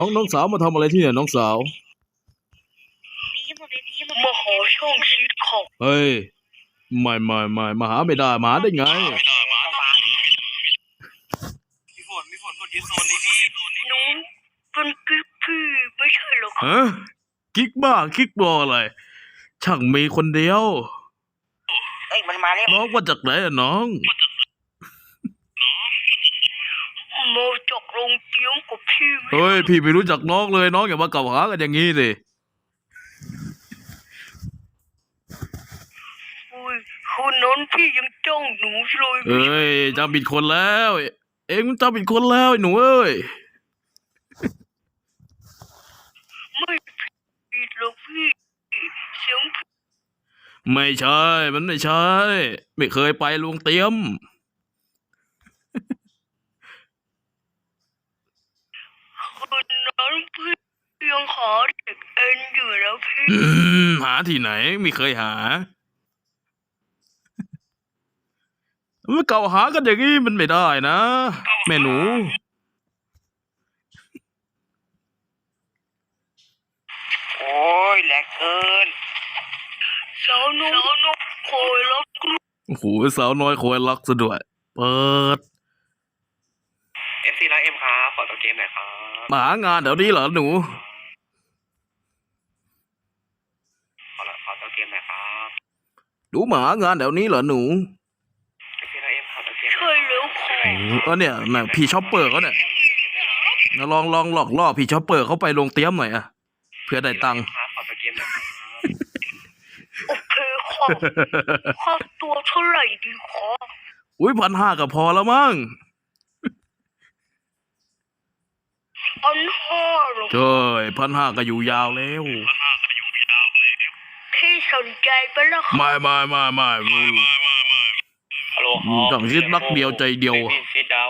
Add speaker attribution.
Speaker 1: น้องสาวมาทำอะไรที่เนี่ยน้องสาว
Speaker 2: มาขอช่องชีวิตของ
Speaker 1: เฮ้ยไม่มาหาไม่ได้มาหาได้ไง
Speaker 2: มีฝนกดยึดโซนนี้พี่หนูเป็นกิ๊กพี่ไม่ใช่หรอก
Speaker 1: ฮะกิ๊กบ้ากิ๊กบออะไรช่างมีคนเดียว
Speaker 2: มันมาแล้ว
Speaker 1: น้องมาจากไหนอะน้อง
Speaker 2: มาจากโรงเตรียมกับพี่
Speaker 1: เฮ้ยพี่ไม่รู้จักน้องเลยน้องอย่ามากล่าวหากันอย่างนี้สิ
Speaker 2: คนนั้นพี่ยังจ้องหนูเลย
Speaker 1: เอ้ยจำผิดคนแล้วเอ็งจำผิดคนแล้วไอ้หนูเอ้ย
Speaker 2: ไม่ผิดหรอกพี่เสียง
Speaker 1: ไม่ใช่มันไม่ใช่ไม่เคยไปโรงเตรียม
Speaker 2: คนนั้นพี่ยังหาเด็กเอ็นอยู่แล้วพี่
Speaker 1: หาที่ไหนไม่เคยหามันเก่าหากันอย่างนี้มันไม่ได้นะแม่หนู
Speaker 2: โอ้ยแหลกเกินสาวนุ๊กคอยรัก
Speaker 1: โอ้โหสาวน้อยคอยรักซะด้วยเปิด
Speaker 2: FC รักเอ็มครับขอตัวเกมหน่อยครับ
Speaker 1: มาหางานเดี๋ยวนี้เหรอหนู
Speaker 2: ขอตัวเกมหน่อยครับ
Speaker 1: หนูมาหางานเดี๋ยวนี้เหรอหนู
Speaker 2: FC รักเอ็มขอตัวเกมใช่แล้วค่ะ
Speaker 1: เนี่ยน่ะพี่ช็อปเปอร์เขาเนี่ยลองหลอกล่อพี่ช็อปเปอร์เขาไปลงเตรียมหน่อยอะเพื่อได้ตังค์
Speaker 2: ขอตัวเกมหน่อยโอเคค่ะค่าตัวเท่าไหร่ดีคะ
Speaker 1: อุ้ย1,500ก็พอแล้วมั้ง
Speaker 2: 1,500หรอ
Speaker 1: เจ้ย1,500ก็อยู่ยาวแล้ว
Speaker 2: พี่สนใจปะล่ะ
Speaker 1: ไม่
Speaker 2: ฮัลโหล
Speaker 1: ต้องคิดนักเดียวใจเดียว